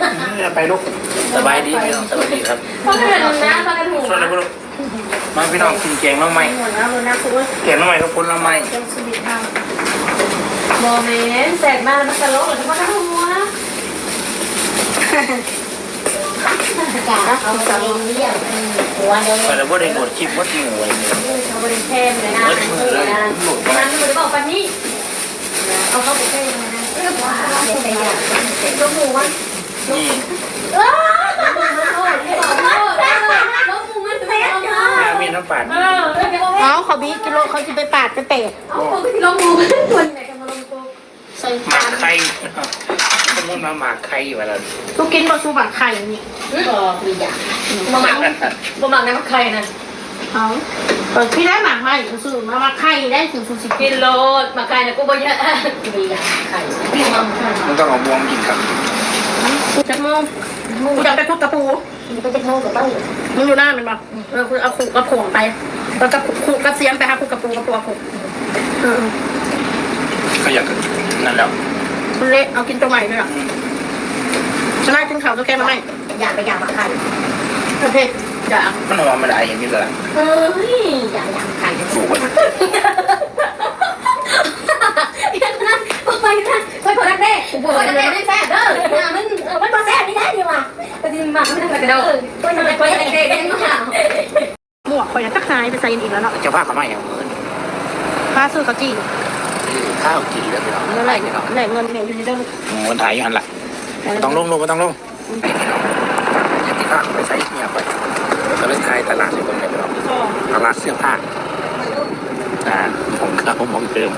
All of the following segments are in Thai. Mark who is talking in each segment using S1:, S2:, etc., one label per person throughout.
S1: ไปลูกสบายดีพี่น้องสวัสดีครับ
S2: ฟังกันนะฟังกันหู
S1: สวัสดีลูกมาพี่น้องกินแกงน้ำไหมแกงน้ำไหมกับคนน้ำไหม
S2: โมเมนต์แสกมาแล้วมันตลกหรือว่าหัวจ้าเอาตลกเรียกหัวเดียว
S1: แต่ว่าได้หมดชิปวัดหมูเลย
S2: เขาบริเทมเลยนะนั้นมันจะบอกปันนี้เอาเข้าไปเทมเลยนะยกหมูวะ
S1: นี่มีน้ำปั่น
S3: เอาเขาบีกิโลเขาจะไปปาดจะเตะ
S2: เอาลงหมูคนไหนจะมาลงตัว
S3: ใส่
S1: หมากไข่สมมติมาหมากไข่อยู่แล้ว
S3: ทุกกินบะซูบักไข่นี่
S2: ก็มีอย่างบะหมักน้ำไข่นะ
S3: เอาพี่ได้หมักไหมซื้อมาไข่ได้ถึงสุด
S2: กิโลหมักไข่นะกูบ่เยอะมีอย่างไข่กิน
S1: มันต้องเอาบวงกินครับ
S3: จักโมงกูจะไปทุบกระปู
S2: ไปจะโทษกับต้อง
S3: มึงอยู่หน้ามันปะคุณเอาขู่กระโผงไปแล้วก็ขู่กระเสียมไปหาขู่กระปูกระปูขู่
S1: ก็อยากนั่นแล้ว
S3: คุณเละเอากินตัวใหม่ด้วยอ่ะฉันได้กินข่าวตัวแกมาไหม
S2: อยากไปอยากมาไข่
S3: โอเคอยาก
S1: มันหอมไม่ได้อย่างนี้เลย
S2: อยากไข่
S1: สูงไป
S2: ไปคนรักแน่คนรักแน่ไม่แซ่บเด้อมันมาแซ่บไม่ได้ดีว่ะก็จริงมากไม่ต้องกระโดดคนรักแน่ได้มาก
S3: หมวกคอยจะหายไปใส่อีกแล้วเนาะ
S1: จะผ้าเขาไม่เอา
S3: ผ้าซื้อเขาจี
S1: ข้าวกี่แล้วพี่น้อง
S3: เมื่อไหร่เนี่ยไหนเงินเนี่ยอยู่ในเรื่อง
S1: เงินถ่ายอยู่หันละต้องลงไม่ต้องลงอย่าติดข้าวไปใส่เนี่ยไปก็เลยขายตลาดในคนเนี่ยพี่น้องตลาดเสื้อผ้าของเขามองเติม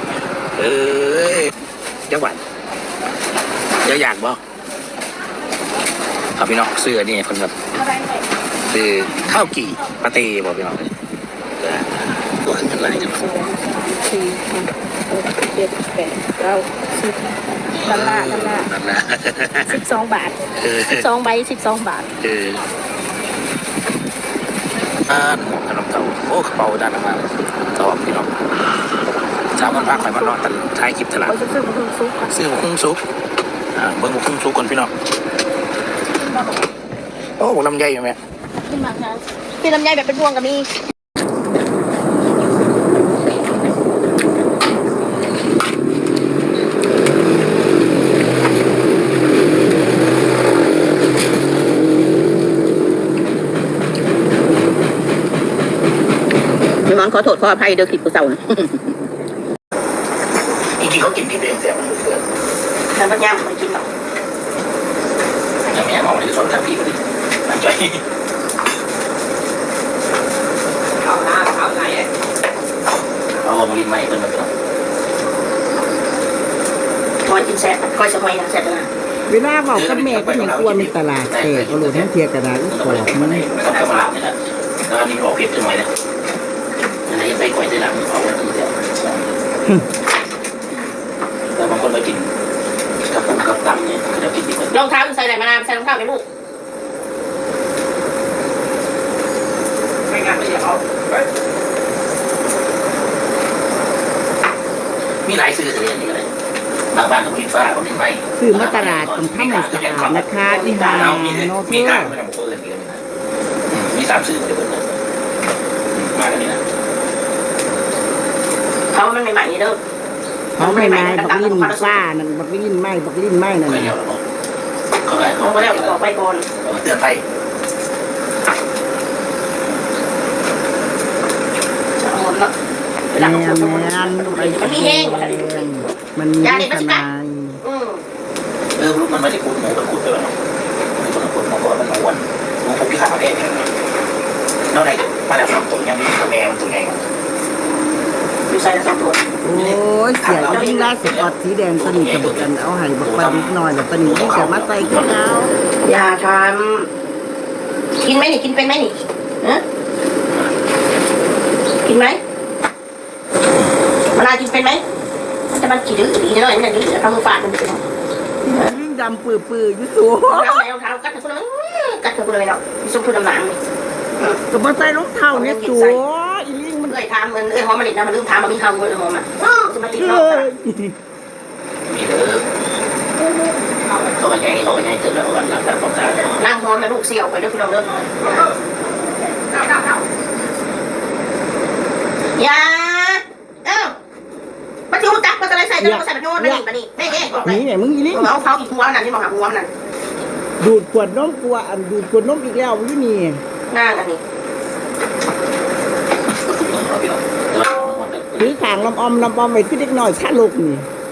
S1: จังหวัดเดี๋ยวอยากบอกเอาพี่น้องเสื้อนี่คนแบบคือข้าวกี่ปาเต้บอกพี่น้องตัวขึ้นอะไรกัน
S3: 4 6 7 8 9 10ดอลลาร์12 บาท12 ใบ 12 บาท
S1: ขนมเต่าโอ้กระเป๋าด้านมาต่อพี่น้องเช้าวันพักไปมันนอนแต่ท้ายคลิปตลาด
S3: ซื้อมาคุ้งซุก
S1: เบิ้งมาคุ้งซุกก่อนพี่น้องโอ้ลำไยอยู่ไหม
S3: ขึ้นมาครับพี่ลำไยแบบเป็นพวงกับมีน้องขอโทษขออภัยเดี๋ยวคิดกูเศร้านะ
S1: จริงๆเขากินผิดเองแต่มันเกิด
S3: แต่ปัญญาไม่กินหรอก
S1: อย่างนี้มองในส่วนทางพี่ก็ดีน่าใจเข้าหน้าเข้าไหนเอามาลิ้นใหม่เป็นแบบนี้
S3: คอยกินแซ่บคอยสมัยนะแซ่บนะ
S4: เวลาบอกกับแม่ก็ยังกลัวมีตลาดแต่ก็รู้ทั้งเทียกระดาษกรอบมัน
S1: ไม่ต้องตลาดนี่แหละแล้วนี่ออกเผ็ดจังเลยนะอะไรไปก่อยได้หลังเอาไว้ที่เดียวแต่บางคนไปกินกับผมกับตับเนี่ยเขาจะกินดีกว่าร
S3: องเท้าใส่ไหนมานานใส่รองเท้าไหมลูก
S1: ไม่งานไม่ใช่เอามีหลายซื้อตัวอย่างนี้เลยบางบ้านก็มีฟ้าก็มีไฟ
S4: ซื้อมาตลาดตรงท่ามันสะอาดนะคะอีหาโนเพื่อ
S1: มี3ซื้อเดี๋ยวมากันนี่นะ
S3: เขามันใหม่ๆนี่เด้อ
S4: เขาไม่ไม้บักลิ้นฟ้านั่นบักลิ้นไม้บักลิ้นไม้นั่น
S3: เขาไปแล้วบอกไปก่อน
S1: เตือนไป
S3: จะหมดแล้ว
S4: แมน
S3: มันมีแห้ง
S4: มันมีขนาด
S1: ลูกมันไม่ได้ขุดหมูมันขุดไปแล้วมันขุดมาก่อนมันมาวันมันขุดที่ขาแดงนอกไหนมาแล้ว2 ตัวยังมีตัวแมวตัวไง
S3: มีใส่2 ตัว
S4: โอ้ยเสียยิ่งล่าสุดอดสีแดงตอนนี้กับกันเอาให้บักปันนิดหน่อยแต่ตอนนี้ยิ่งจะมาใส่ขึ้นแล้ว
S3: อย่าทำกินไหมนี่กินเป็นไหมนี่กินไหมมันน่ากินเป็นไหมจะมันกี่ดื้อดีหน่อยนี่ดื้อทำมือฝาดมันดื้อ
S4: ยิ่งดำปื้อๆอยู่สูง
S3: รองเท้ากัดตัวกัดตัวเลยเนาะซุปตัวน้ำ
S4: ก็มาใส่รองเท้าเนี่ยสูงอีลิงมัน
S3: ทำมันหอมมันดินะมันลืมทำมันมีเท้าเลยหอมอ่ะจะมาติดเนาะ
S1: มีเด้อเขาไปแย่เขาไปแย่เกิดแล้วกันหลังจากความตาย
S2: นั่งนอนแล้วลูกเสี่ยวไปเด้อพี่น้องเด้อยามันจะรู้จักมันจะได้ใส่จะใส่แบบโน้นนั่นนี่นี่นี่
S4: นี่ไงมึงอีนี่
S2: เอาเขาอีกหัวนั่นที่บอกหาหัวนั่น
S4: ดูดขวดนมกลัวอันดูดขวดนมอีกแล้วอยู่นี่
S2: นั่นอันนี้
S4: ถือขางลำออมไว้คือเด็กน้อยชาลูกนี่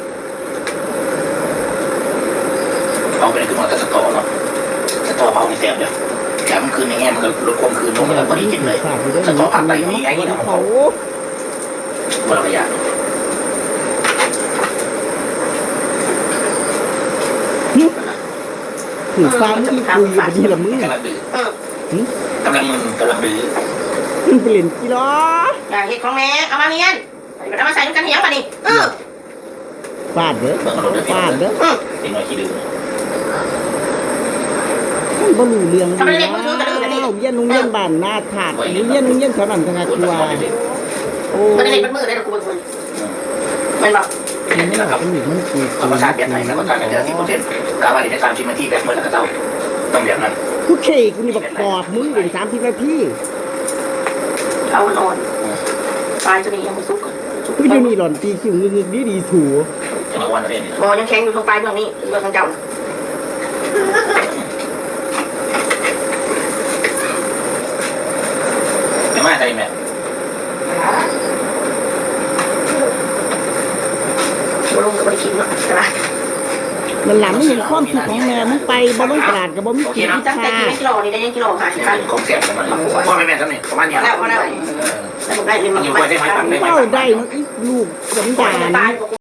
S1: เอาไปคือมันจะสตอเนาะสตอเผาในแสบเนี่ยแต่มันคืนอย่างเงี้ยมันก็ลดความคืนลงแล้วพอดีกินเลยสตอผัดไปนี่ไอ้นี่เนาะ
S4: เขา
S1: วันละอย่าง
S4: ถือฟ้ามึงคุยอยู่ดีละมึง
S1: กำลังดื้อกำลังมึนกำลังดื้อ
S4: มึงไปเล่นกี่ล้อ
S2: อย่าเห็ดของแม่เอามาเรียนเอามาใส่ด้วยกันเหี้ยมาดิ
S4: ฟาดเด้อ
S1: เบิ่งรถด้วย
S4: ฟาดเด้อ
S1: เด็กน้อยที่ดื้อ
S4: มันบ่รู้เรื่องดีแล้วเรียนโรงเรียนบ้านนาถาดเรียนโรงเรียนแถวนั้นทางกลัวโอ้
S2: มันจะเห็นมันมือได้หรอกูมันมันบอก
S4: มันไม่หรอกมันอยู่มันคือ
S1: ธรรมชาติแบบไหนแล้วก็การเป็นที่โปรเทนกาบาดีในการชิมที่แบบเมื่อแล้วก็ต้องแบบนั้น
S4: กูเคกูนี่บอกปอบมึงเป็น30 นาที
S2: เอาอ่อนปลายตัวนี้ยังไม่สุก
S4: กูอยู่นี่หล่อนตีคิวงึกดีถู
S1: จะมาวันเรียน
S2: บอยังแข็งอยู่ตรงปลายเบื้องนี้เบื้องทางเจ้า
S1: ไม่มาใจแม่
S2: ลงกับบริคิดเนาะใช่ไหม
S4: มันหลังไม่เห็นความคิดของแม่มึงไปบ่ลงตลาดกับบ่มีกิน
S2: ตั้งแต่กิโลนี่ได้ยังกิโลค่ะสิครับ
S1: ของแสบประมาณพ่อแม่ทำเนี่ยประมาณนี้
S2: แล้วแล้วผมได้เงินมา
S4: เป้าได้เนาะอีลูกสันดาน